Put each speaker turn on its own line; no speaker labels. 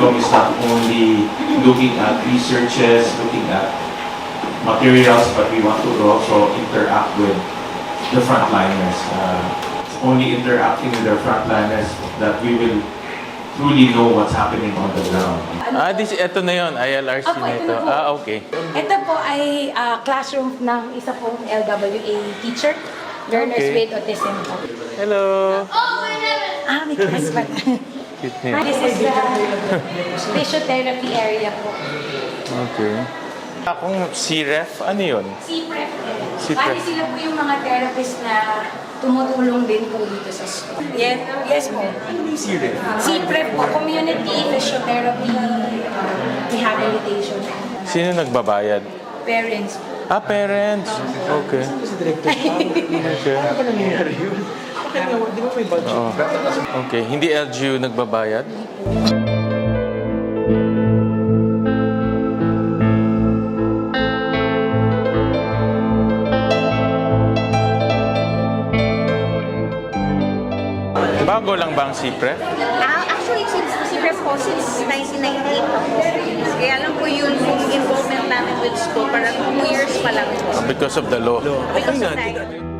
Medcom is not only looking at researches, looking at materials, but we want to also interact with the frontliners. It's only interacting with the frontliners that we will truly know what's happening on the ground.
Ito na yun, ILRC
Opo,
na
ito
ito.
na po.
Okay.
Ito po ay classroom ng isa pong LWA teacher, learners
Okay.
with autism po.
Hello!
May class pa.
Cute name.
This is the physiotherapy area po.
Okay. Akong C-Ref, ano yun?
CPREP.
CPREP.
Bali sila po yung mga therapist na tumutulong din po dito sa school. Yes po.
Ano yung C-Ref?
CPREP po, Community Physiotherapy Rehabilitation.
Sino nagbabayad?
Parents po.
Parents. Okay. Okay.
Ano ba nangyayari yun? Bakit nga, di ba may budget?
Oo. Okay. Hindi LGU nagbabayad? Bago lang ba ang CPREP?
Actually, since po since 1998 pa po. Kaya lang po yun yung involvement namin with school. Parang 2 years pa lang po.
Because of the law.
Because of
nga,
that.